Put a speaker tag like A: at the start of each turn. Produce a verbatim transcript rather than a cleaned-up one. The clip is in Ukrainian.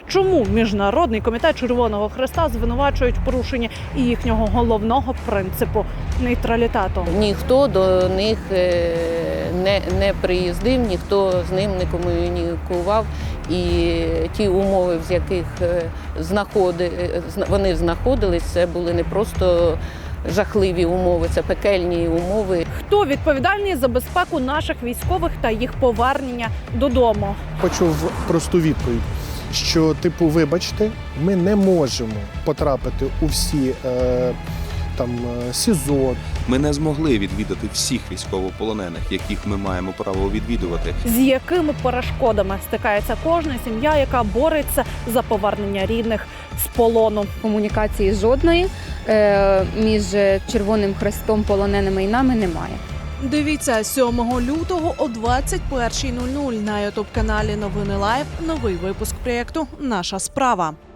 A: Чому Міжнародний комітет Червоного Хреста звинувачують в порушенні і їхнього головного принципу – нейтралітету?
B: Ніхто до них не, не приїздив, ніхто з ним не комунікував. І ті умови, в яких знаходи, вони знаходились, це були не просто жахливі умови, це пекельні умови.
A: Хто відповідальний за безпеку наших військових та їх повернення додому?
C: Почув просту відповідь, що, типу, вибачте, ми не можемо потрапити у всі е, там СІЗО.
D: Ми не змогли відвідати всіх військовополонених, яких ми маємо право відвідувати.
A: З якими перешкодами стикається кожна сім'я, яка бореться за повернення рідних з полону?
E: Комунікації жодної е, між Червоним Хрестом, полоненими і нами немає.
F: Дивіться сьомого лютого о двадцять першій нуль нуль на ютуб-каналі Новини Лайв новий випуск проєкту «Наша справа».